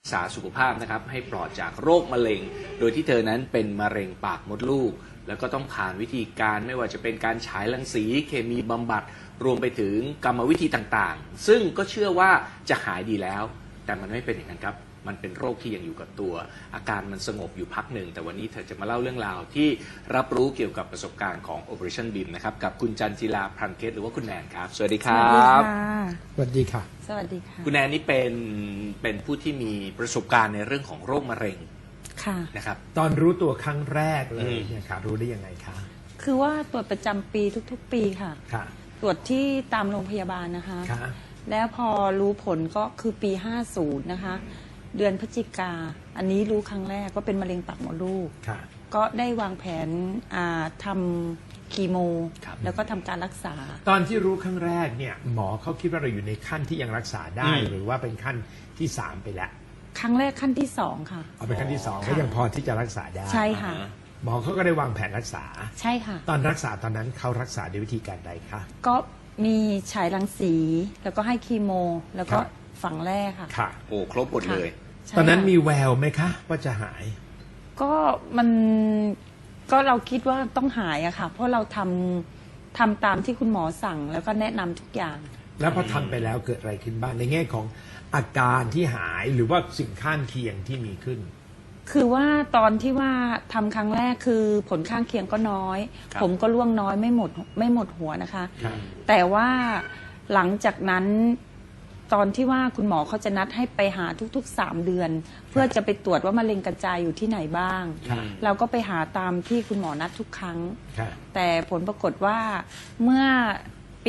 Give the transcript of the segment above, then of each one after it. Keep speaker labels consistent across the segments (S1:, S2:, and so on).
S1: รักษาสุขภาพนะครับให้ปลอดจากโรคมะเร็งโดยที่เธอนั้นเป็นมะเร็งปากมดลูกแล้วก็ต้องผ่านวิธีการไม่ว่าจะเป็นการฉายรังสีเคมีบำบัดรวมไปถึงกรรมวิธีต่างๆซึ่งก็เชื่อว่าจะหายดีแล้วแต่มันไม่เป็นอย่างนั้นครับมันเป็นโรคที่ยังอยู่กับตัวอาการมันสงบอยู่พักหนึ่งแต่วันนี้เธอจะมาเล่าเรื่องราวที่รับรู้เกี่ยวกับประสบการณ์ของ Operation BIM นะครับกับคุณจันจิลาพรันเพชรหรือว่าคุณแนนครับสวัสดีครับ
S2: สวัสดีค่ะ
S3: สวัสดีค่ะ
S1: คุณแนนนี่เป็นผู้ที่มีประสบการณ์ในเรื่องของโรคมะเร็ง
S3: ค่ะ
S1: นะครับ
S2: ตอนรู้ตัวครั้งแรกเลยเนี่ยค่ะรู้ได้ยังไงคะ
S3: คือว่าตรวจประจำปีทุกๆ ปีค่ะตรวจที่ตามโรงพยาบาลนะคะแล้วพอรู้ผลก็คือปี 50 นะคะเดือนพฤศจิกาอันนี้รู้ครั้งแรกว่าเป็นมะเร็งปากมดลูกก็ได้วางแผนทำคีโมแล้วก็ทำการรักษา
S2: ตอนที่รู้ครั้งแรกเนี่ยหมอเขาคิดว่าเราอยู่ในขั้นที่ยังรักษาได้หรือว่าเป็นขั้นที่3ไปแล้ว
S3: ครั้งแรกขั้นที่2ค่ะ
S2: เอาเป็นขั้นที่2ก็ยังพอที่จะรักษาได้
S3: ใช่ค่ะ
S2: หมอเขาก็ได้วางแผนรักษา
S3: ใช่ค่ะ
S2: ตอนรักษาตอนนั้นเขารักษาด้วยวิธีการใดคะ
S3: ก็มีฉายรังสีแล้วก็ให้คีโมแล้วก็ฝังแร่ค่ะ
S1: โอ้ครบหมดเลย
S2: ตอนนั้นมีแววไหมคะว่าจะหาย
S3: ก็เราคิดว่าต้องหายอะค่ะเพราะเราทำตามที่คุณหมอสั่งแล้วก็แนะนำทุกอย่าง
S2: แล้วพอทำไปแล้วเกิดอะไรขึ้นบ้างในแง่ของอาการที่หายหรือว่าสิ่งข้างเคียงที่มีขึ้น
S3: คือว่าตอนที่ว่าทำครั้งแรกคือผลข้างเคียงก็น้อยผมก็ร่วงน้อยไม่หมดหัวนะคะแต่ว่าหลังจากนั้นตอนที่ว่าคุณหมอเขาจะนัดให้ไปหาทุกๆ3 เดือนเพื่อจะไปตรวจว่ามะเร็งกระจายอยู่ที่ไหนบ้างเราก็ไปหาตามที่คุณหมอนัดทุกครั้งแต่ผลปรากฏว่าเมื่อปี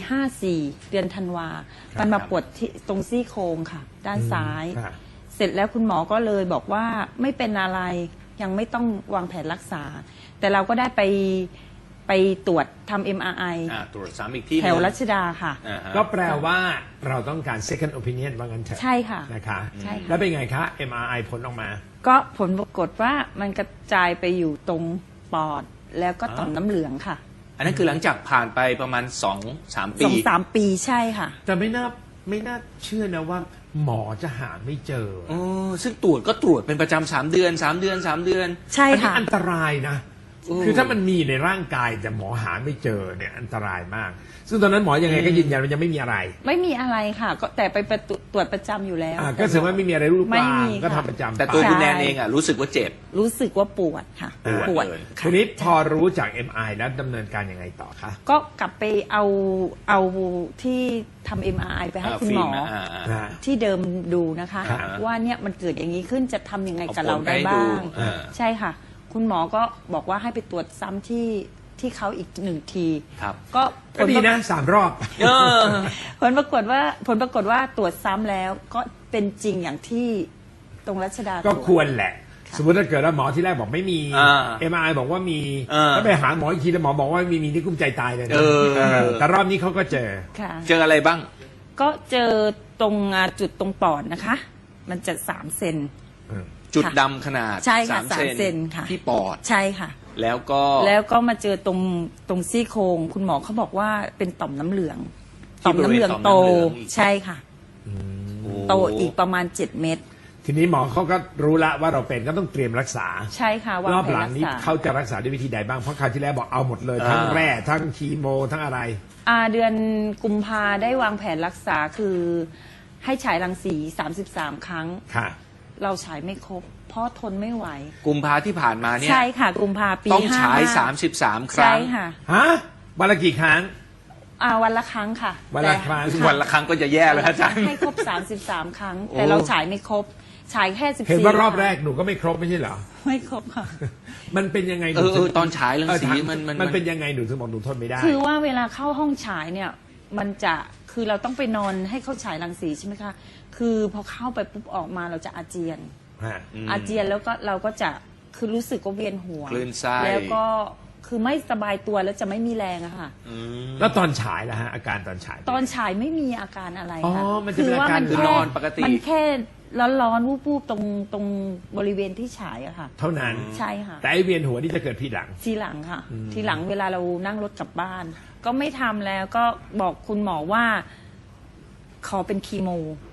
S3: 54 เดือนธันวามันมาปวดที่ตรงซี่โครงค่ะด้านซ้ายเสร็จแล้วคุณหมอก็เลยบอกว่าไม่เป็นอะไรยังไม่ต้องวางแผนรักษาแต่เราก็ได้ไปตรวจทำ MRI
S1: ตรวจซ้ำอีกที่
S3: แถวรัชดาค่ะ
S2: ก็แปลว่าเราต้องการ second opinion ว่างั้นเถอะ
S3: ใช่ค่ะ
S2: นะคะแล้วเป็นไงคะ MRI ผลออกมา
S3: ก็ผลปรากฏว่ามันกระจายไปอยู่ตรงปอดแล้วก็ต่อมน้ำเหลืองค่ะ
S1: อันนั้นคือหลังจากผ่านไปประมาณ 2-3 ปี
S3: 2-3 ปีใช่ค่ะ
S2: แต่ไม่น่าเชื่อนะว่าหมอจะหาไม่เจอ
S1: ซึ่งตรวจก็ตรวจเป็นประจำ3 เดือน
S3: ใช่ค่ะ
S2: อันตรายนะคือถ้ามันมีในร่างกายแต่หมอหาไม่เจอเนี่ยอันตรายมากซึ่งตอนนั้นหมอยังไงก็ยืนยันว่ายังไม่มีอะไร
S3: ไม่มีอะไรค่ะก็แต่ไปตรวจประจำอยู่แล้ว
S2: ก็แสดงว่าไม่มีอะไรรูปร่างก็ทำประจำ
S1: แต่ตัวคุณแนนเองรู้สึกว่าเจ็บ
S3: รู้สึกว่าปวดค่ะ
S1: ปวด
S2: ทีนี้พอรู้จาก MRI แล้วดำเนินการยังไงต่อคะ
S3: ก็กลับไปเอาที่ทำ MRI ไปให้คุณหมอที่เดิมดูนะคะว่าเนี่ยมันเกิดอย่างนี้ขึ้นจะทำยังไงกับเราได้บ้างใช่ค่ะคุณหมอก็บอกว่าให้ไปตรวจซ้ำที่เขาอีก1 ที
S2: ก็ดีนะ3 รอบ
S3: ผลปรากฏว่าตรวจซ้ำแล้วก็เป็นจริงอย่างที่ตรงรัชดา
S2: ก็ควรแหละสมมติถ้าเกิดว่าหมอที่แรกบอกไม่มี MRI บอกว่ามีแล้วไปหาหมออีกทีแล้วหมอบอกว่ามีนี่กุ้มใจตายเลยแต่รอบนี้เขาก็เจ
S1: ออะไรบ้าง
S3: ก็เจอตรงจุดตรงปอดนะคะมันจะ3 เซน
S1: จุดดำขนาด
S3: 3 เซนค่ะ
S1: ที่ปอด
S3: ใช่ค่ะ
S1: แล้ว
S3: ก็มาเจอตรงซี่โครงคุณหมอเขาบอกว่าเป็นต่อมน้ำเหลืองโตใช่ค่ะโตอีกประมาณ7 เม็ด
S2: ทีนี้หมอเขาก็รู้ละว่าเราเป็นก็ต้องเตรียมรักษา
S3: ใช่ค่ะ
S2: รอบหลังนี้เขาจะรักษาด้วยวิธีใดบ้างเพราะคราวที่แล้วบอกเอาหมดเลยทั้งแร่ทั้งคีโมทั้งอะไร
S3: เดือนกุมภาได้วางแผนรักษาคือให้ฉายรังสี33 ครั้ง
S2: ค่ะ
S3: เราฉายไม่ครบเพราะทนไม่ไหว
S1: กุมภาที่ผ่านมาเนี่ย
S3: ใช่ค่ะกุมภาปี
S1: ต้องฉาย33 ครั้ง
S3: ใช่ค่ะ
S2: วันละกี่ครั้ง
S3: วันละครั้งค่ะ
S2: วันละครั้ง
S1: ก็จะแย่แล้วอาจารย์
S3: ให้ครบ33 ครั้งแต่เราฉายไม่ครบฉายแค่14
S2: เห็นว่ารอบแรกหนูก็ไม่ครบไม่ใช่เหรอ
S3: ไม่ครบค่ะ
S2: มันเป็นยังไง
S1: ตอนฉายรังสี
S2: มันเป็นยังไงหนูถึงบอกหนูทนไม่ได้
S3: คือว่าเวลาเข้าห้องฉายเนี่ยมันจะคือเราต้องไปนอนให้เขาฉายรังสีใช่ไหมคะคือพอเข้าไปปุ๊บออกมาเราจะอาเจียนแล้วก็เราก็จะคือรู้สึกว่าเวียนหัว
S1: คลื่นไส้
S3: แล้วก็คือไม่สบายตัวแล้วจะไม่มีแรงอะค่ะ
S2: แล้วตอนฉายล่ะฮะอาการตอน
S3: ฉายไม่มีอาการอะไรค่ะ
S2: คือว่า
S3: มัน
S1: นอนปกติ
S3: มันแค่ร้อนวูบๆตรงบริเวณที่ฉายอะค่ะ
S2: เท่านั้น
S3: ใช่ค่ะ
S2: แต่ไอเวียนหัวนี่จะเกิดทีห
S3: ลังค่ะทีหลังเวลาเรานั่งรถกลับบ้านก็ไม่ทำแล้วก็บอกคุณหมอว่าขอเป็นคีโม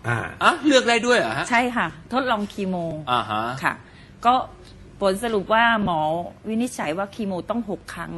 S1: เลือกได้ด้วยเหรอฮะ
S3: ใช่ค่ะทดลองคีโมค่ะก็ผลสรุปว่าหมอวินิจฉัยว่าคีโมต้อง6 ครั้ง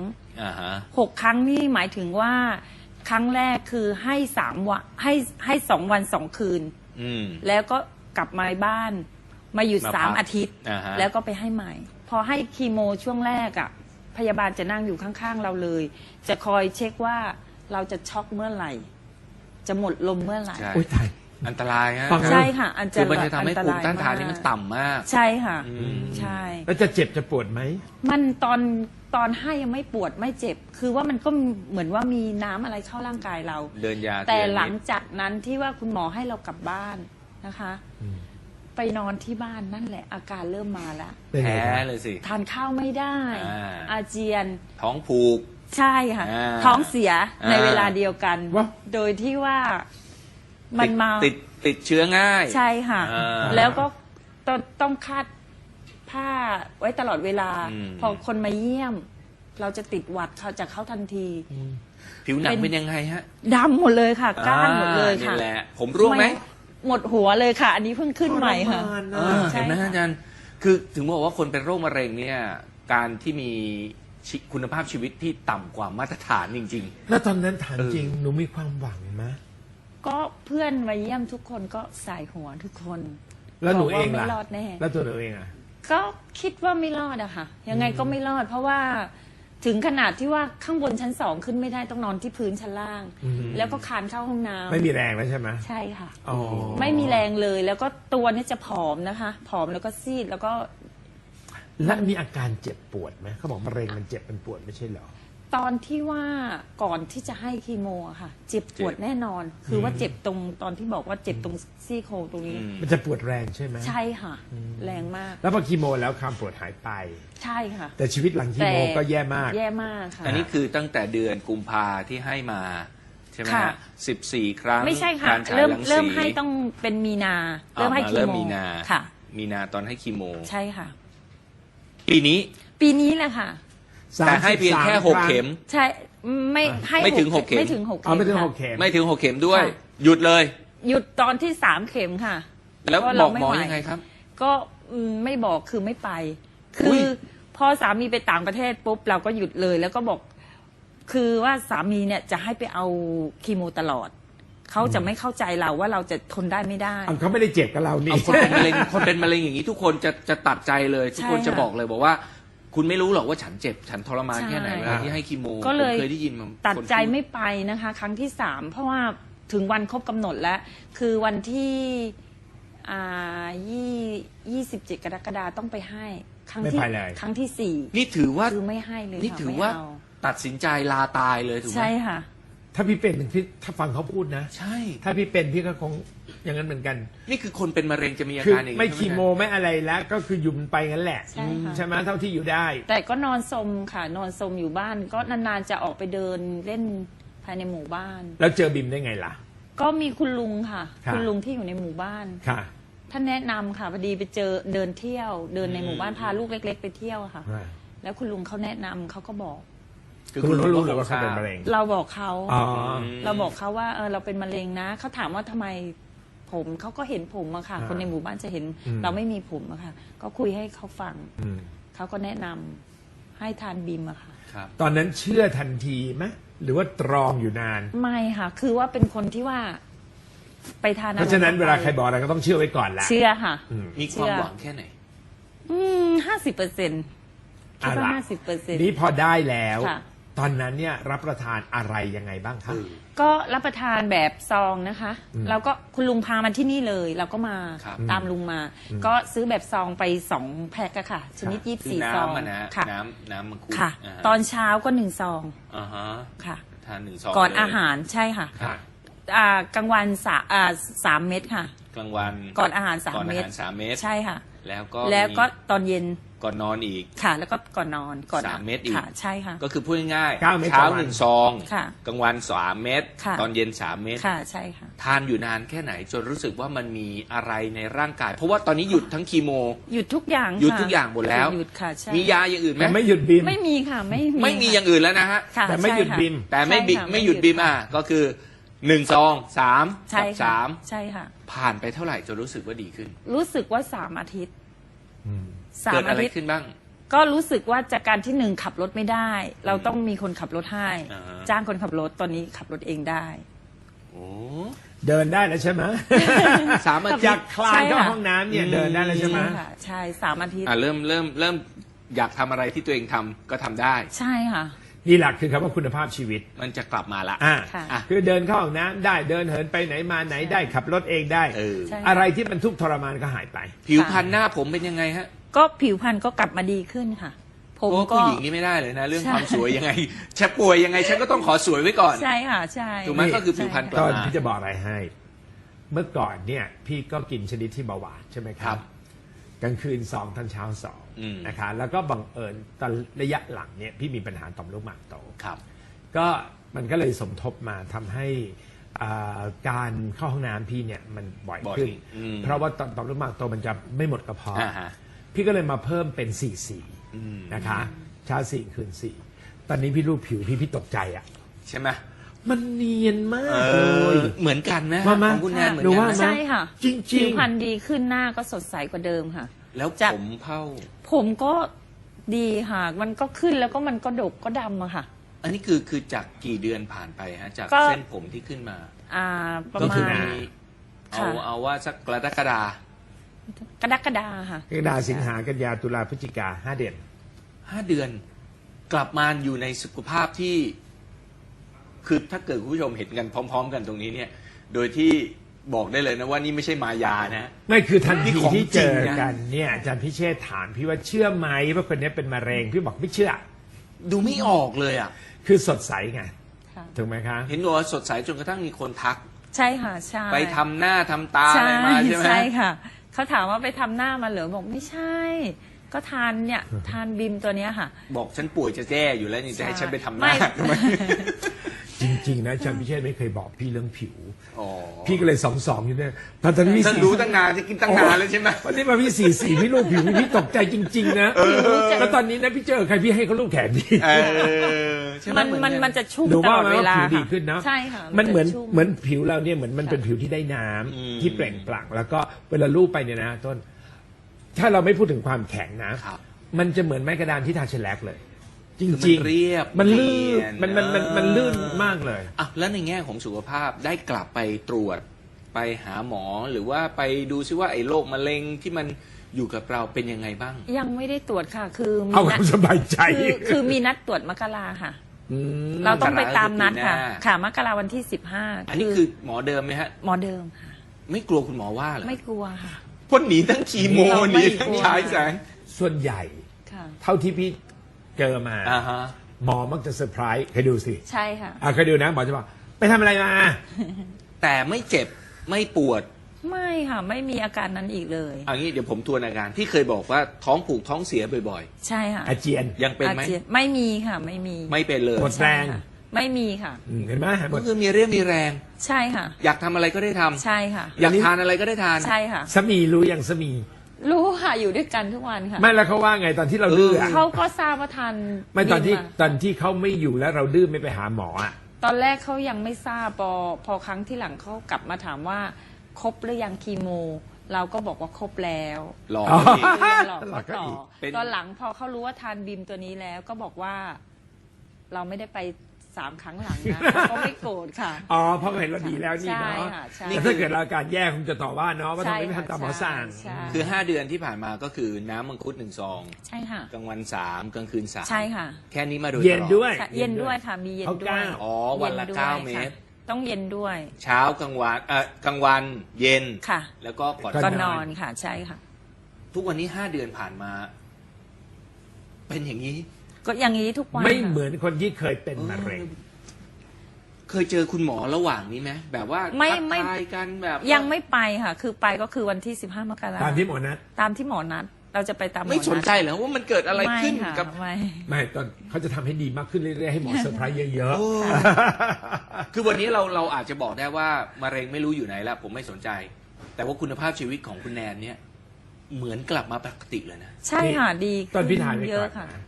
S3: 6 ครั้งนี่หมายถึงว่าครั้งแรกคือให้3 วันให้2 วัน 2 คืนแล้วก็กลับมาบ้านมาหยุด3 อาทิตย์แล้วก็ไปให้ใหม่พอให้คีโมช่วงแรกอ่ะพยาบาลจะนั่งอยู่ข้างๆเราเลยจะคอยเช็คว่าเราจะช็อกเมื่อไหร่จะหมดลมเมื่อไหร่
S1: อันตรายฮะ
S3: ใช่ค่ะ
S1: คือมันจะทำให้ภูมิต้านทานนี่มันต่ำมาก
S3: ใช่ค่ะใช่
S2: แล้วจะเจ็บจะปวดไหม
S3: มันตอนให้ยังไม่ปวดไม่เจ็บคือว่ามันก็เหมือนว่ามีน้ำอะไรเข้าร่างกายเรา
S1: เดินยา
S3: แต่หลังจากนั้นที่ว่าคุณหมอให้เรากลับบ้านนะคะไปนอนที่บ้านนั่นแหละอาการเริ่มมาแล้ว
S1: แพ้เลยสิ
S3: ทานข้าวไม่ได้อาเจียน
S1: ท้องผูก
S3: ใช่ค่ะท้องเสียในเวลาเดียวกันโดยที่ว่ามันมา
S1: ติดเชื้อง่าย
S3: ใช่ค่ะแล้วก็ต้องคาดผ้าไว้ตลอดเวลาพอคนมาเยี่ยมเราจะติดหวัดเขาจากเขาทันที
S1: ผิวหนังเป็นยังไงฮะ
S3: ดำหมดเลยค่ะก้านหมดเลยค่ะ
S1: นี่แหละผมร่วงไหม
S3: หมดหัวเลยค่ะอันนี้เพิ่งขึ้นใหม่ค่ะ
S1: เห็นไหมอาจารย์คือถึงบอกว่าคนเป็นโรคมะเร็งเนี่ยการที่มีคุณภาพชีวิตที่ต่ำกว่ามาตรฐานจริง
S2: ๆแล้วตอนนั้นถามจริงหนูมีความหวังไหม
S3: ก็เพื่อนมาเยี่ยมทุกคนก็สายหัวทุกคน
S2: แล้วหนูเองล่ะ
S3: ไม่รอดแน่
S2: แล้วตัวหนูเองอ่ะ
S3: ก็คิดว่าไม่รอดอะค่ะยังไงก็ไม่รอดเพราะว่าถึงขนาดที่ว่าข้างบนชั้น2ขึ้นไม่ได้ต้องนอนที่พื้นชั้นล่างแล้วก็คานเข้าห้องน้ำ
S2: ไม่มีแรงแล้วใช่ไหม
S3: ใช่ค่ะไม่มีแรงเลยแล้วก็ตัวนี่จะผอมนะคะผอมแล้วก็ซีดแล้วก็
S2: แล้วมีอาการเจ็บปวดไหมเขาบอกมะเร็งมันเจ็บมันปวดไม่ใช่เหรอ
S3: ตอนที่ว่าก่อนที่จะให้คีโมค่ะเจ็บปวดแน่นอนคือว่าเจ็บตรงตอนที่บอกว่าเจ็บตรงซี่โครงตรงนี้
S2: มันจะปวดแรงใช่ไหม
S3: ใช่ค่ะแรงมาก
S2: แล้วพอคีโมแล้วความปวดหายไป
S3: ใช่ค่ะ
S2: แต่ชีวิตหลังคีโมก็แย่มาก
S3: ค่ะ
S1: อันนี้คือตั้งแต่เดือนกุมภาที่ให้มาใช่ไหมฮะ14 ครั้ง
S3: ไม่ใช่ค่ะเริ่มให้ต้องเป็นมีนาเริ่มให้คีโมค่ะ
S1: มีนาตอนให้คีโม
S3: ใช่ค่ะ
S1: ปีนี้
S3: แหละค่ะ
S1: แต่ให้เพียงแค่6 เข็ม
S3: ใช่ไม่
S1: ถึง6 เข็ม
S3: ไม่ถึง6 เข็
S2: มไม่ถึง6 เข็ม
S1: ไม่ถึง6 เข็มด้วยหยุดเลย
S3: หยุดตอนที่3 เข็มค่ะ
S1: แล้วบอกหมอยังไงครับ
S3: ก็ไม่บอกคือไม่ไปคือพอสามีไปต่างประเทศปุ๊บเราก็หยุดเลยแล้วก็บอกคือว่าสามีเนี่ยจะให้ไปเอาคีโมตลอดเขาจะไม่เข้าใจเราว่าเราจะทนได้ไม่ได้
S2: เขาไม่ได้เจ็บกับเรานี่
S1: คนเป็นมะเร็งอย่างนี้ทุกคนจะตัดใจเลยทุกคนจะบอกเลยบอกว่าคุณไม่รู้หรอกว่าฉันเจ็บฉันทรมานแค่ไหนเวลาที่ให้คีโม
S3: ก็เลย
S1: เคยได้ยินมา
S3: ตัดใจไม่ไปนะคะครั้งที่3เพราะว่าถึงวันครบกำหนดแล้วคือวันที่27 กรกฎาคมต้องไปให้ครั้งที่4
S1: นี่ถือว่า
S3: คือไม่ให้เลย
S1: นี่ถือว่าตัดสินใจลาตายเลยถูกไหม
S3: ใช่ค่ะ
S2: ถ้าพี่เป็นพี่ถ้าฟังเขาพูดนะ
S1: ใช่
S2: ถ้าพี่เป็นพี่ก็คงอย่างนั้นเหมือนกัน
S1: นี่คือคนเป็นมะเร็งจะมีอาการอย่างนี้
S2: ไม่คีโมไม่อะไรแล้วก็คือหยุดไปงั้นแหละใช่ไหมเท่าที่อยู่ได้
S3: แต่ก็นอนสมค่ะนอนสมอยู่บ้านก็นานๆจะออกไปเดินเล่นภายในหมู่บ้าน
S2: แล้วเจอบิมได้ไงล่ะ
S3: ก็มีคุณลุงค่ะคุณลุงที่อยู่ในหมู่บ้าน
S2: ค่ะ
S3: ท่านแนะนำค่ะพอดีไปเจอเดินเที่ยวเดินในหมู่บ้านพาลูกเล็กๆไปเที่ยวค่ะแล้วคุณลุงเขาแนะนำเขาก็บอก
S2: คุณรู้หรือว่าเขาเป็นมะเร็ง
S3: เราบอกเขาว่าเราเป็นมะเร็งนะเขาถามว่าทำไมผมเขาก็เห็นผมอะค่ะคนในหมู่บ้านจะเห็นเราไม่มีผมอะค่ะก็คุยให้เขาฟังเขาก็แนะนำให้ทานบิมอะค่ะ
S2: ตอนนั้นเชื่อทันทีไหมหรือว่าตรองอยู่นาน
S3: ไม่ค่ะคือว่าเป็นคนที่ว่าไปทาน
S2: เพราะฉะนั้นเวลาใครบอกอะไรก็ต้องเชื่อไว้ก่อนแหละ
S3: เชื่อค่ะ
S1: มีความหวังแค่ไหน
S3: 50%คิดว่า50%
S2: นี้พอได้แล้วตอนนั้นเนี่ยรับประทานอะไรยังไงบ้างคะ
S3: ก็รับประทานแบบซองนะคะแล้วก็คุณลุงพามาที่นี่เลยเราก็มาตามลุงมาก็ซื้อแบบซองไป2 แพ็คค่ะชนิด24 ซอง
S1: ค่ะน้ำมังคุด
S3: ค่ะตอนเช้าก็1 ซองค่ะ
S1: ทาน1 ซอง
S3: ก่อนอาหารใช่ค่ะกลางวัน3 เม็ดค่ะ
S1: กลางวัน
S3: ก่อนอาหาร3 เม็ดใช่ค่ะแล้วก็ตอนเย็น
S1: ก่อนนอนอีก
S3: ค่ะแล้วก็ก่อนนอนก่อน
S1: 3 เม็ดอีก
S3: ใช่ค่ะ
S1: ก็คือพูดง่ายๆเช้า1 ซองกลางวัน3 เม็ดตอนเย็น3 เม็ด
S3: ค่ะใช่ค่ะ
S1: ทานอยู่นานแค่ไหนจนรู้สึกว่ามันมีอะไรในร่างกายเพราะว่าตอนนี้หยุดทั้งคีโม
S3: หยุดทุกอย่าง
S1: หยุดทุกอย่างหมดแล้ว
S3: หยุดค่ะใช่
S1: มียาอย่างอื่นไหม
S2: ไม่หยุดบิม
S3: ไม่มีค่ะไม่
S1: มีอย่างอื่นแล้วนะฮะ
S2: แต่ไม่หยุดบิม
S1: แต่ไม่หยุดบิมก็คือ 1 ซอง 3
S3: ใช่
S1: กับ
S3: ค่ะ
S1: 3
S3: ใช่ค่ะ
S1: ผ่านไปเท่าไหร่จนรู้สึกว่าดีขึ้น
S3: รู้สึกว่า3 อาทิตย์
S2: อืม
S1: เกิด
S3: 3
S1: อะ
S3: อา
S1: ไร
S3: ทิตย์
S1: ขึ้นบ้าง
S3: ก็รู้สึกว่าจากการที่1ขับรถไม่ได้ เราต้องมีคนขับรถให้
S1: อ่าฮะ
S3: จ้างคนขับรถตอนนี้ขับรถเองได้
S1: โอ้
S2: เดินได้แล้วใช่ไหม
S1: 3 อาทิ
S2: จา
S1: ต
S2: ก
S1: ย์
S2: คลานเข้า
S3: ใช่ค่ะ
S2: ห้องน้ำเนี่ยเดินได้แล้วใช่ไหม
S3: ใช่ค่ะใช่3 อาทิตย์
S1: เริ่มอยากทำอะไรที่ตัวเองทำก็ทำได้
S3: ใช่ค่ะ
S2: นี่หลักคือคำว่าคุณภาพชีวิต
S1: มันจะกลับมาละ
S2: อ่า
S3: ค่ะ
S1: อ่ะ
S2: คือเดินเข้าห้องน้ำได้เดินเหินไปไหนมาไหนได้ขับรถเองได้
S1: เออ
S3: ใช่
S2: อะไรที่มันทุกข์ทรมานก็หายไป
S1: ผิวพรรณหน้าผมเป็นยังไงฮะ
S3: ก็ผิวพรรณก็กลับมาดีขึ้นค่ะ ผม
S1: โอ้
S3: ก็
S1: ผู้หญิงนี่ไม่ได้เลยนะ เรื่อง
S3: ใช่
S1: ความสวยยังไงฉันป่วยยังไงฉันก็ต้องขอสวยไว้ก่อน
S3: ใช่ค่ะใช่
S1: ถูกไหมก็คือผิวพรรณก
S2: ต
S1: ลับ
S2: อน
S1: มา
S2: พี่จะบอกอะไรให้ เมื่อก่อนเนี่ยพี่ก็กินชนิดที่เบาหวานใช่ไหมค
S1: ครั
S2: รับ
S1: บ
S2: กลางคืน2ตอนเช้า
S1: อืม
S2: 2นะคะแล้วก็บังเอิญตอนระยะหลังเนี่ยพี่มีปัญหาต่อมลูกหมากโต
S1: ครับ
S2: ก็มันก็เลยสมทบมาทำให้การเข้าห้องน้ำพี่เนี่ยมันบ่อย
S1: บ่อย
S2: ขึ้น
S1: อืม
S2: เพราะว่าต่อมลูกหมากโตมันจะไม่หมดกระเพาะ
S1: อ่าฮะ
S2: พี่ก็เลยมาเพิ่มเป็น4
S1: อืม
S2: 4นะคะเช้า4คืน4ตอนนี้พี่รูปผิวพี่ตกใจอ่ะ
S1: ใช่ไหม
S2: มันเนียนมา
S1: เอก
S2: เล
S1: อย เหมือนกันนะ
S2: ว่ามา
S1: ของคุณแนนเหมือน
S2: หนู
S1: กั
S2: ว่า
S1: นนะ
S3: ใช่ค่ะ
S2: จริงๆ
S3: ผิวพรรณดีขึ้นหน้าก็สดใสกว่าเดิมค่ะ
S1: แล้ว
S3: จาก
S1: ผมเผ่า
S3: ผมก็ดีค่ะ มันก็ขึ้นแล้วก็มันก็ดกก็ดำอะค่ะ
S1: อันนี้คือจากกี่เดือนผ่านไปฮะจาก
S3: ก็
S1: เส้นผมที่ขึ้นมา
S3: ประ
S1: ก็
S3: มา
S1: คือ
S3: ณ
S1: มีเอา
S3: ค่ะ
S1: เอาว่าสักกรกฎาคม
S3: กรกฎาค่ะ
S2: กรกฎาสิงหากันยาตุลาพฤศจิกา5 เดือน
S1: 5 เดือน กลับมาอยู่ในสุขภาพที่ คือถ้าเกิดคุณผู้ชมเห็นกันพร้อม ๆ กันตรงนี้เนี่ย โดยที่บอกได้เลยนะว่านี่ไม่ใช่มายานะ
S2: ไม่คือทัน
S1: นี่
S2: ที
S1: ของ
S2: ที่เจอ
S1: จริงนะ
S2: กันเนี่ยอาจารย์พิเชษฐ์ถามพี่ว่าเชื่อไหมว่าคนนี้เป็นมะเร็งพี่บอกไม่เชื่อ
S1: ดูไม่ออกเลยอ่ะ
S2: คือสดใสไง
S3: ค่ะ
S2: ถูกไหมคะ
S1: เห็นบอกว่าสดใสจนกระทั่งมีคนทัก
S3: ใช่ค่ะใช่
S1: ไปทำหน้าทำตาอะไรมาใช่ไหม
S3: ใช่ค่ะ เขาถามว่าไปทำหน้ามาเหรอบอกไม่ใช่ ก็ทานเนี่ยทานบิมตัวเนี้ยค่ะ
S1: บอกฉันป่วยจะแจ้อยู่แล้วนี่จะให้ฉันไปทำห
S3: ไม่
S1: น้าทำไม
S2: จริงๆนะอาจารย์พิเชษฐ์ไม่เคยบอกพี่เรื่องผิว
S1: อ๋อ
S2: พี่ก็เลย2 2อยู่เนี่ยตอนนี้พี่
S1: ท่านรู้ตั้งนานจะกินตั้งนานแล้วใช่ไหม
S2: วันนี้มาพี่4 4พี่รูปผิวพี่ตกใจจริงๆนะแล้วตอนนี้นะพี่เจอใครพี่ให้เขารูปแขนพี่
S1: เออใช่ไห
S3: มันจะชุ่ม
S2: หนู
S3: ต
S2: ว่า
S3: ลอด
S2: ไหม
S3: เว
S2: ว่า
S3: ลา
S2: ผิวดี
S3: ค่ะ
S2: ขึ้นเนาะ
S3: ใช่ค่ะ
S2: มันเหมือน
S3: จะชุ่
S2: เหมือนผิวเราเนี่ยเหมือนมันเป็นผิวที่ได้น้ำที่เปล่งปลั่งแล้วก็เวลาลูบไปเนี่ยนะต้น ถ้าเราไม่พูดถึงความแข็งนะ
S1: ครับ
S2: มันจะเหมือนไม้กระดานที่ทาเชลแลกเลย จ
S1: คือมัน
S2: ริง
S1: เรียบ
S2: มันลื่น
S1: เนียน
S2: มันลื่นมากเลย
S1: อ่ะแล้วในแง่ของสุขภาพได้กลับไปตรวจไปหาหมอหรือว่าไปดูซิว่าไอ้โรคมะเร็งที่มันอยู่กับเราเป็นยังไงบ้าง
S3: ยังไม่ได้ตรวจค่ะ คือมี
S2: เอาค
S3: นั
S2: วามสบายใจ
S3: คือมีนัดตรวจมกราค่ะ
S2: ม
S3: เราต้องไปตามนัดค่ะ
S1: มกราคมปีหน้า
S3: ค่ะมกราวันที่15
S1: อันนี้คือหมอเดิมไหมฮะ
S3: หมอเดิมค่ะ
S1: ไม่กลัวคุณหมอว่าเหรอ
S3: ไม่กลัวค่ะ
S1: พ่นหนีทั้งคีโม
S3: เรา
S1: ห
S3: ไม่
S1: นีทั้ง
S3: กลัว
S1: ฉายแสง
S2: ส่วนใหญ่
S3: ค่ะ
S2: เท่าที่พี่เจอมา
S1: อ่าฮะ
S2: หมอมักจะเซอร์ไพรส์เคยดูสิ
S3: ใช่ค่ะ
S2: เคยดูนะหมอจะบอกไปทำอะไรมา
S1: แต่ไม่เจ็บไม่ปวด
S3: ไม่ค่ะ ไม่มีอาการนั้นอีกเลย
S1: เอันนี้เดี๋ยวผมทวนอาการที่เคยบอกว่าท้องผูกท้องเสียบ่อย
S3: ใช่ค่ะ
S2: อาเจียน
S1: ๆ ยังเป็นไหม
S3: อาจียไม่มีค่ะ ไม่มี
S1: ไม่เป็นเลย
S2: หมดแรง
S3: ใช่ค่ะไม่มีค่ะ
S2: เห็นไหมหม
S1: ก็
S2: ด
S1: คือมีเรี่ยวมีแรง
S3: ใช่ค่ะ
S1: อยากทำอะไรก็ได้ทำ
S3: ใช่ค่ะ
S1: อยากทานอะไรก็ได้ทาน
S3: ใช่ค่ะ
S2: สามีรู้อย่างสามี
S3: รู้ค่ะอยู่ด้วยกันทุกวันค่ะ
S2: ไม่แล้วเขาว่าไงตอนที่เราดื้ออะ
S3: เขาก็ทราบว่าทาน
S2: ไม่ตอนที่
S3: บิมะ
S2: ตอนที่เขาไม่อยู่แล้วเราดื้อไม่ไปหาหมออ่ะ
S3: ตอนแรกเขายังไม่ทราบพอครั้งที่หลังเขากลับมาถามว่าครบหรือยังคีโม เราก็บอกว่าครบแล้ว
S1: หลอก
S2: อ๋อ
S1: อีก
S3: หลอก
S2: หลอกก็
S3: ต่อ
S2: อีก
S1: เป็น
S3: ตอนหลังพอเขารู้ว่าทานบิมตัวนี้แล้วก็บอกว่า เราไม่ได้ไป3 ครั้งหลังนะเขาก็ไม่โกรธค่ะ
S2: อ๋อเพราะเห็นเราดีแล้วนี่เนาะ
S3: ใช่ค่ะใช่
S2: แต่ถ้าเกิดเราอาการแย่คงจะต่อว่าเนาะว่าทำไมไม่ทำตามหมอสั่ง
S3: ใช่
S1: คือ 5 เดือนที่ผ่านมาก็คือน้ำมังคุด1 ซอง
S3: ใช่ค่ะ
S1: กลางวัน 3 กลางคืน 3
S3: ใช่ค่ะ
S1: แค่นี้มาโดย
S2: เย็น
S1: ตลอ
S2: ด้วย
S3: ค่ะเย็นด้วยค่ะ มีเย็นด้วย
S1: อ๋อวันละ
S3: ย็ด้วย
S1: 9 เมตร
S3: ค่ะต้องเย็นด้วย
S1: เช้ากลางวันกลางวันเย็น
S3: ค่ะ
S1: แล้วก็ก่อน
S3: ก็
S2: น
S3: น
S2: อน
S3: อนค่ะ ใช่ค่ะ
S1: ทุกวันนี้ 5 เดือนผ่านมา เป็นอย่างนี้
S3: ก็อย่างนี้ทุกวัน
S2: ไม่
S3: ค่ะ
S2: เหมือนคนที่เคยเป็นมะเร็ง
S1: เคยเจอคุณหมอระหว่างนี้ไหมแบบว่า
S3: ไม่
S1: ทักทายกันแบบว่า
S3: ยังไม่ไปค่ะ คือไปก็คือวันที่15 มกรา
S2: ตามที่หมอนัด
S3: ตามที่หมอนัด เราจะไปตามหมอ
S1: ไม่
S3: นัด
S1: สนใจเหรอว่ามันเกิดอะไรขึ้น
S3: ม่ค่ะ
S1: กับ
S3: ไม่
S2: ไม่ตอนเขาจะทำให้ดีมากขึ้นเรื่อยๆให้หมอเซอร์ไพรส์เยอะ
S1: โอ้คือวันนี้เราอาจจะบอกได้ว่ามะเร็งไม่รู้อยู่ไหนแล้วผมไม่สนใจ แต่ว่าคุณภาพชีวิตของคุณแนนเนี่ย เหมือนกลับมาปกติเลยนะ
S3: ใช่ค่ะดี
S2: ๆตอนพี่ถ่ายไป
S3: เย
S2: ก่อ
S3: อะ
S2: น
S3: ค่ะ
S2: นะ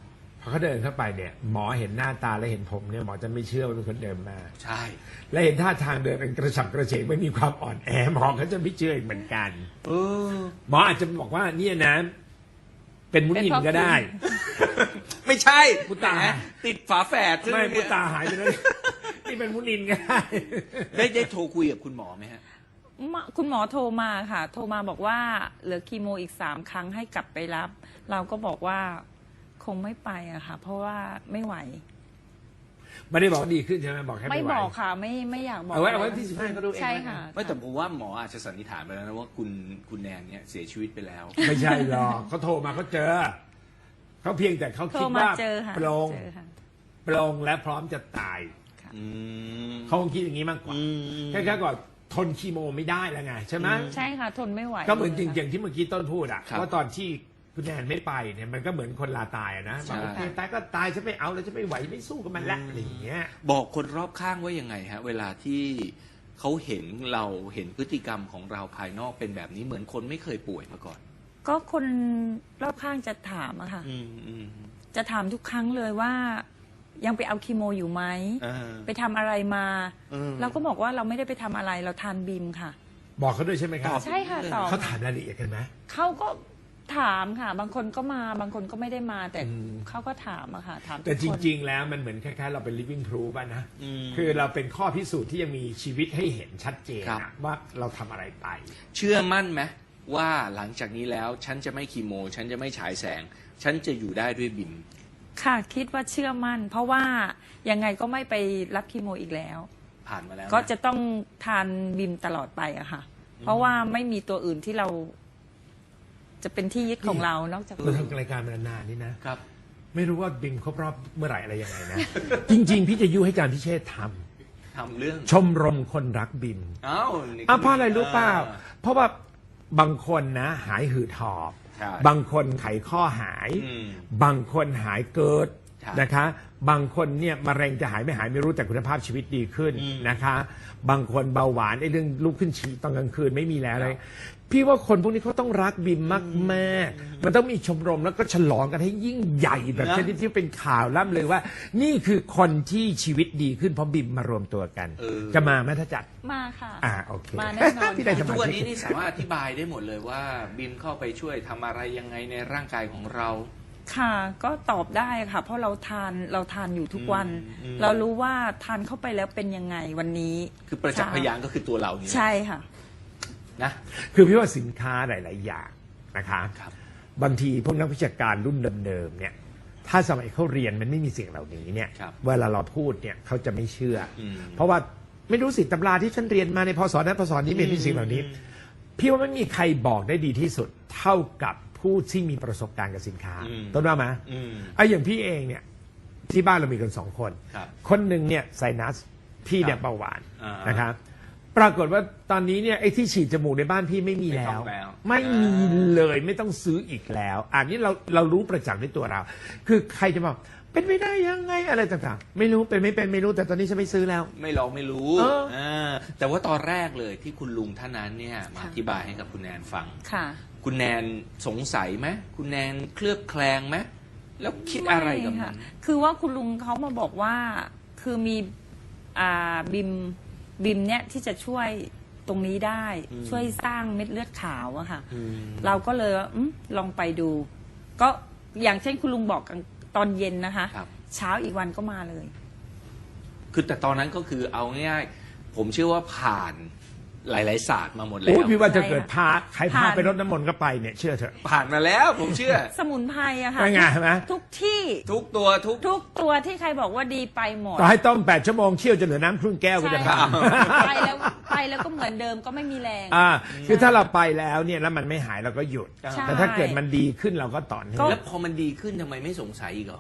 S2: พอเขาเดินเข้าไปเนี่ยหมอเห็นหน้าตาและเห็นผมเนี่ยหมอจะไม่เชื่อว่าเป็นคนเดินมา
S1: ใช่
S2: และเห็นท่าทางเดินเป็นกระฉับกระเฉงไม่มีความอ่อนแอหมอเขาจะไม่เชื่ออีกเหมือนกัน หมออาจจะบอกว่าเนี่ยนะเป็นมุนินก็ได้
S1: ไม่ใช่
S2: มุตา
S1: แหติดฝาแฝดซึ่ง
S2: ไม่มุตาหายไปแล้วนี่เป็นมุนินก็ได้
S1: ได้โทรคุยกับคุณหมอไหมฮะ
S3: คุณหมอโทรมาค่ะ โทรมาบอกว่าเหลือคีโมอีก3 ครั้งให้กลับไปรับ เราก็บอกว่าคงไม่ไปอะค่ะ เพราะว่าไม่ไหว
S2: ไม่ได้บอกว่าดีขึ้นใช่ไหมบอกแค่
S3: ไม่
S2: ไหว
S3: บอกค่ะ ไม่อยากบอก
S2: เอาไว้ที่15ก็ดูเอง
S3: ใช่ค่ะ
S1: ไม่แต่ผมว่าหมออาจจะสันนิษฐานไปแล้วนะว่าคุณแนนเนี่ยเสียชีวิตไปแล้ว
S2: ไม่ใช่หรอกเขาโทรมาเขาเจอเขาเพียงแต่เขา
S3: โทร
S2: คิด
S3: มา
S2: ว่า
S3: เจอค่ะ
S2: โปร่ง
S3: เจอค่ะ
S2: โปร่งและพร้อมจะตาย
S1: อืม
S2: เขาคงคิดอย่างนี้มากกว่าแค่ก่อนทนคีโมไม่ได้แล้วไงใช่ไหม
S3: ใช่ค่ะ ทนไม่ไหว
S2: ก็เหมือนจ
S3: ลย
S2: ริงๆที่เมื่อกี้ต้นพูดอะ
S1: ครับ
S2: ว่าตอนที่คุณแนนไม่ไปเนี่ยมันก็เหมือนคนลาตายอะนะ
S1: ใช่
S2: บอกโอเคตายก็ตายฉันไม่เอาแล้วฉันไม่ไหวไม่สู้กับมันละอะไรอย่างเงี้ย
S1: บอกคนรอบข้างว่ายังไงฮะ เวลาที่เขาเห็นเราเห็นพฤติกรรมของเราภายนอกเป็นแบบนี้เหมือนคนไม่เคยป่วยมาก่อน
S3: ก็คนรอบข้างจะถามอะค่ะ จะถามทุกครั้งเลยว่ายังไปเอาคีโมอยู่ไหม ไปทำอะไรมา เราก็บอกว่าเราไม่ได้ไปทำอะไรเราทานบิมค่ะ
S2: บอกเขาด้วยใช่ไหมครับ
S3: ใช่ค่ะตอบ
S2: เขาถามรายละเอียดกันไหม
S3: เขาก็ถามค่ะ บางคนก็มาบางคนก็ไม่ได้มาแต่
S2: อืม
S3: เขาก็ถามอะค่ะถามทุก
S2: แต่จ
S3: คน
S2: ริง ๆ แล้วมันเหมือนคล้ายๆเราเป็น living proof อะนะคือเราเป็นข้อพิสูจน์ที่ยังมีชีวิตให้เห็นชัดเจน
S1: ครับ
S2: อะว่าเราทำอะไรไป
S1: เชื่อมั่นไหมว่าหลังจากนี้แล้วฉันจะไม่คีโม ฉันจะไม่ฉายแสง ฉันจะอยู่ได้ด้วยบิม
S3: ค่ะคิดว่าเชื่อมั่น เพราะว่ายังไงก็ไม่ไปรับคีโมอีกแล้ว
S1: ผ่านมาแล้วน
S3: ก็จะต้องทานบิมตลอดไปอะค่ะ เพราะว่าไม่มีตัวอื่นที่เราจะเป็นที่ยึดของเรานอกจาก
S2: เราทำรายการมานานๆนี่นะ
S1: ครับ
S2: ไม่รู้ว่าบิมครบรอบเมื่อไหร่อะไรยังไงนะ จริง ๆ พี่จะยุให้อาจารย์พิเชษฐ์ท
S1: ทำเรื่อง
S2: ำชมรมคนรักบิม
S1: อ้าวนี่
S2: เพราะอะไรรู้เปล่า เพราะว่าบางคนนะหายหืดหอบ
S1: ใช่
S2: บางคนไขข้อหาย บางคนหายเกิด
S1: ใช่
S2: นะคะ บางคนเนี่ยมะเร็งจะหายไม่หายไม่รู้แต่คุณภาพชีวิตดีขึ้นนะคะ บางคนเบาหวานไอ้เรื่องลุกขึ้นฉี่ตอนกลางคืนไม่มีแล้วเลยพี่ว่าคนพวกนี้เขาต้องรักบิมมากๆมันต้องมีชมรมแล้วก็ฉลองกันให้ยิ่งใหญ่แบบชนิดที่เป็นข่าวล่ำเลยว่า นี่คือคนที่ชีวิตดีขึ้นเพราะบิมมารวมตัวกัน จะมาไหมถ้าจัด
S3: มาค่ะ
S2: โอเค
S3: มาแน่นอน
S2: พี่ได้ส
S1: ทุ
S2: มาก
S1: วัน
S2: ชิ
S1: นี้
S2: ก
S1: นี่สามารถอธิบายได้หมดเลยว่าบิมเข้าไปช่วยทำอะไรยังไงในร่างกายของเรา
S3: ค่ะก็ตอบได้ค่ะ เพราะเราทานอยู่ทุกวัน เรารู้ว่าทานเข้าไปแล้วเป็นยังไงวันนี้
S1: คือประจักษ์พยานก็คือตัวเรานี่
S3: ใช่ค่ะ
S1: นะ
S2: คือพี่ว่าสินค้าหลาย ๆ อย่างนะคะ
S1: ครับ
S2: บางทีพวกนักวิชาการรุ่นเดิมๆเนี่ย ถ้าสมัยเขาเรียนมันไม่มีสิ่งเหล่านี้เนี่ย
S1: ครับ
S2: เวลาเราพูดเนี่ยเขาจะไม่เชื่ออ
S1: ม
S2: เพราะว่าไม่รู้สิตำราที่ฉันเรียนมาในพศนั้นพศนี้ไม่มีสิ่งเหล่านี้ พี่ว่าไม่มีใครบอกได้ดีที่สุด เท่ากับผู้ที่มีประสบการณ์กับสินค้า ต้นว่าไหมไอ้อย่างพี่เองเนี่ยที่บ้านเรามีกัน2 คน
S1: ครับ
S2: คนหนึ่งเนี่ยไซนัสพี่เนี่ย
S1: ครับ
S2: เบาหวาน
S1: อ่าน
S2: นะครับ ปรากฏว่าตอนนี้เนี่ยไอ้ที่ฉีดจมูกในบ้านพี่ไม่มี
S1: ไม่
S2: แล้
S1: ต้
S2: ว
S1: องแล้ว
S2: ไม่มีเลยไม่ต้องซื้ออีกแล้วอันนี้เรารู้ประจักษ์ในตัวเรา คือใครจะบอกเป็นไม่ได้ยังไงอะไรต่างๆ ไม่รู้เป็นไม่เป็นไม่รู้แต่ตอนนี้ฉันไม่ซื้อแล้ว
S1: ไม่ลองไม่รู้
S2: เออ
S1: แต่ว่าตอนแรกเลยที่คุณลุงท่านนั้นเนี่ยมา
S3: ค่ะ
S1: อธิบายให้กับคุณแนนฟัง
S3: ค่ะ
S1: คุณแนนสงสัยไหมคุณแนนเคลือบแคลงไหมแล้วคิดอะไรกับ
S3: ม่
S1: มั
S3: ค่ะ
S1: น
S3: คือว่าคุณลุงเขามาบอกว่าคือมีบิมเนี่ยที่จะช่วยตรงนี้ได้ ช่วยสร้างเม็ดเลือดขาวอะค่ะ เราก็เลยว่าลองไปดู ก็อย่างเช่นคุณลุงบอกกันตอนเย็นนะคะ
S1: ครับ
S3: เช้าอีกวันก็มาเลย
S1: คือแต่ตอนนั้นก็คือเอาง่ายๆผมเชื่อว่าผ่านหลายๆศาสตร์มาหมดแล้
S2: โอ้
S1: วย
S2: พี่ว่าจะ
S3: ใช่
S2: เกิดพาใครพา
S3: ผ่าน
S2: ไปรดน้ำมนต์ก็ไปเนี่ยเชื่อเถอะ
S1: ผ่านมาแล้วผมเชื่อ
S3: สมุนไพรอะค่ะ
S2: ไม่ไงใช่ไหม
S3: ทุกที่
S1: ทุกตัวทุก
S3: ทุกตัวที่ใครบอกว่าดีไปหมด
S2: ต่อให้ต้ม8 ชั่วโมงเคี่ยวจนเหลือน้ำครึ่งแก้วก็
S3: ใช่
S2: จะ
S3: ค่ะ
S2: ทำ
S3: ไปแล้วก็เหมือนเดิมก็ไม่มีแรง
S2: คือถ้าเราไปแล้วเนี่ยแล้วมันไม่หายเราก็หยุด
S3: ใช่
S2: แต่ถ้าเกิดมันดีขึ้นเราก็ต่อเนื่อง
S1: แล้วพอมันดีขึ้นทำไมไม่สงสัยอีกเหรอ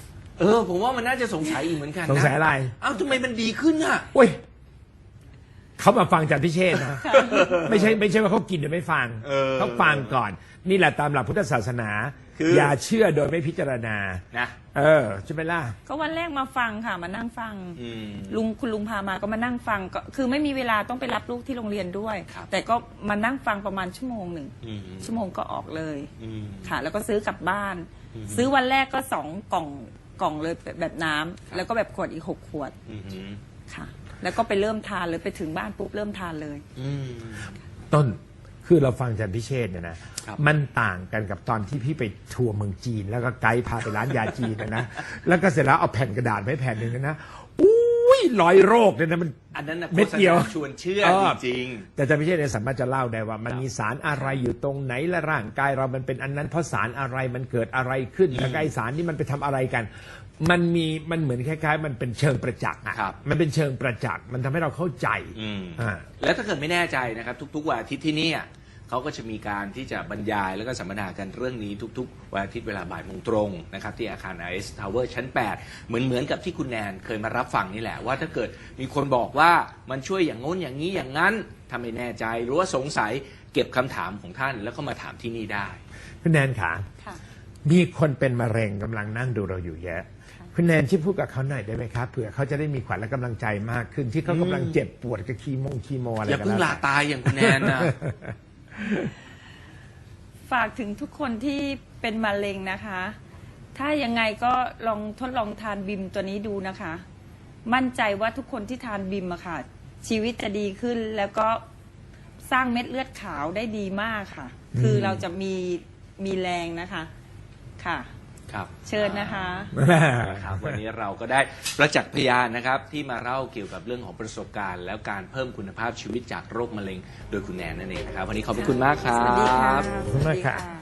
S1: ผมว่ามันน่าจะสงสัยอีกเหมือนกันนะ
S2: สงสัยอะไร
S1: เอ้าทำไมมันดีขึ้นอ่ะ
S2: โอ้ยเขามาฟังจากพิเชษนะไม่ใช่ว่าเขากินโดยไม่ฟังเขาฟังก่อน นี่แหละตามหลักพุทธศาสนา อย่าเชื่อโดยไม่พิจารณา
S1: นะ
S2: ใช่ไหมล่ะ
S3: ก็วันแรกมาฟังค่ะมานั่งฟังคุณลุงพามาก็มานั่งฟังก็คือไม่มีเวลาต้องไปรับลูกที่โรงเรียนด้วยแต่ก็มานั่งฟังประมาณชั่วโมงหนึ่งชั่วโมงก็ออกเลยค่ะแล้วก็ซื้อกลับบ้านซื้อวันแรกก็2 กล่องเลยแบบน้ำแล้วก็แบบขวดอีก6 ขวดค่ะแล้วก็ไปเริ่มทานเลยไปถึงบ้านปุ๊บเริ่มทานเลย
S2: ต้นคือเราฟังอาจารย์พิเชษเนี่ยนะมันต่างกันกับตอนที่พี่ไปทัวร์เมืองจีนแล้วก็ไกด์พาไปร้านยาจีนนะแล้วก็เสร็จแล้วเอาแผ่นกระดาษไปแผ่นหนึ่งนะอุ้ยรอยโรคเนี่ยนะมัน
S1: อันนั้น
S2: เม็ดเดียว
S1: ชวนเชื่อจริง
S2: แต่อาจารย์พิเชษเนี่ยสามารถจะเล่าได้ว่ามันมีสารอะไรอยู่ตรงไหนและร่างกายเรามันเป็นอันนั้นเพราะสารอะไรมันเกิดอะไรขึ้นแล้วไอสารนี่มันไปทำอะไรกันมันเหมือนคล้ายๆมันเป็นเชิงประจักษ์อ่ะมันเป็นเชิงประจักษ์มันทำให้เราเข้าใจ
S1: แล้วถ้าเกิดไม่แน่ใจนะครับทุกๆวันอาทิตย์ที่นี่เขาก็จะมีการที่จะบรรยายแล้วก็สัมมนากันเรื่องนี้ทุกๆวันอาทิตย์เวลาบ่ายโมงตรงนะครับที่อาคาร IS Tower ชั้น 8เหมือนกับที่คุณแนนเคยมารับฟังนี่แหละว่าถ้าเกิดมีคนบอกว่ามันช่วยอย่างง้นอย่างนี้อย่างนั้นทำให้แน่ใจหรือว่าสงสัยเก็บคำถามของท่านแล้วก็มาถามที่นี่ได้
S2: คุณแนนค่ะมีคนเป็นมะเร็งกำลังนั่งดูเราอยู่เยอะคุณแนนช่วยพูดกับเขาหน่อยได้ไหมครับเผื่อเขาจะได้มีขวัญและกำลังใจมากขึ้นที่เขากำลังเจ็บปวดกับคีโมอะไร
S1: อย่าเพิ่งลาตายอย่างคุณแนนนะ
S3: ฝากถึงทุกคนที่เป็นมะเร็งนะคะถ้ายังไงก็ลองทดลองทานบิมตัวนี้ดูนะคะมั่นใจว่าทุกคนที่ทานบิมอะค่ะชีวิตจะดีขึ้นแล้วก็สร้างเม็ดเลือดขาวได้ดีมากค่ะคือเราจะมีแรงนะคะค่ะเชิญนะคะ
S1: ครับวันนี้เราก็ได้ประจักษ์พยานนะครับที่มาเล่าเกี่ยวกับเรื่องของประสบการณ์แล้วการเพิ่มคุณภาพชีวิตจากโรคมะเร็งโดยคุณแนนนั่นเองนะครับวันนี้ขอบคุณมากครับ
S3: สวัสดีค่ะ
S2: ขอบคุณมากค่ะ